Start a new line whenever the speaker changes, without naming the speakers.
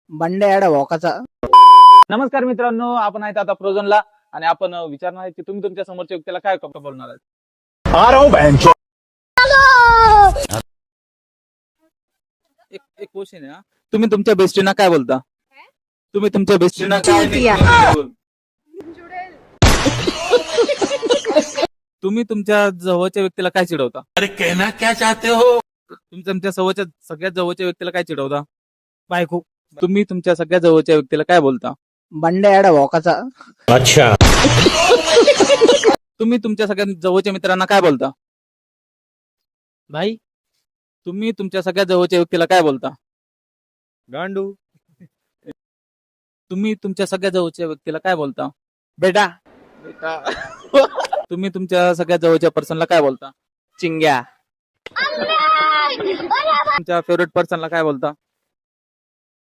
बंड्या भोकाचा.
नमस्कार मित्रांनो, आपण आहेत आता फ्रोझनला आणि आपण विचारणार आहे की तुम्ही तुमच्या समोरच्या व्यक्तीला काय बोलणार आहेत. एक क्वेश्चन आहे. तुम्ही तुमच्या बेस्टीना काय बोलता? तुम्ही तुमच्या बेस्टीना काय तुम्ही तुमच्या जवळच्या व्यक्तीला काय चिडवता?
अरे कहना क्या चाहते हो?
तुम्ही तुमच्या सगळ्यात जवळच्या व्यक्तीला काय चिडवता?
बायको.
तुम्ही तुमच्या सगळ्यात जवळच्या व्यक्तीला काय बोलता?
बंड्या भोकाचा.
अच्छा.
तुम्ही तुमच्या सगळ्यात जवळच्या मित्रांना काय बोलता?
भाई.
तुम्ही तुमच्या सगळ्यात जवळच्या व्यक्तीला काय बोलता?
गांडू.
तुम्ही तुमच्या सगळ्यात जवळच्या व्यक्तीला काय बोलता?
बेटा.
तुम्ही तुमच्या सगळ्यात जवळच्या पर्सनला काय बोलता?
चिंग्या.
तुमच्या फेवरेट पर्सनला काय बोलता?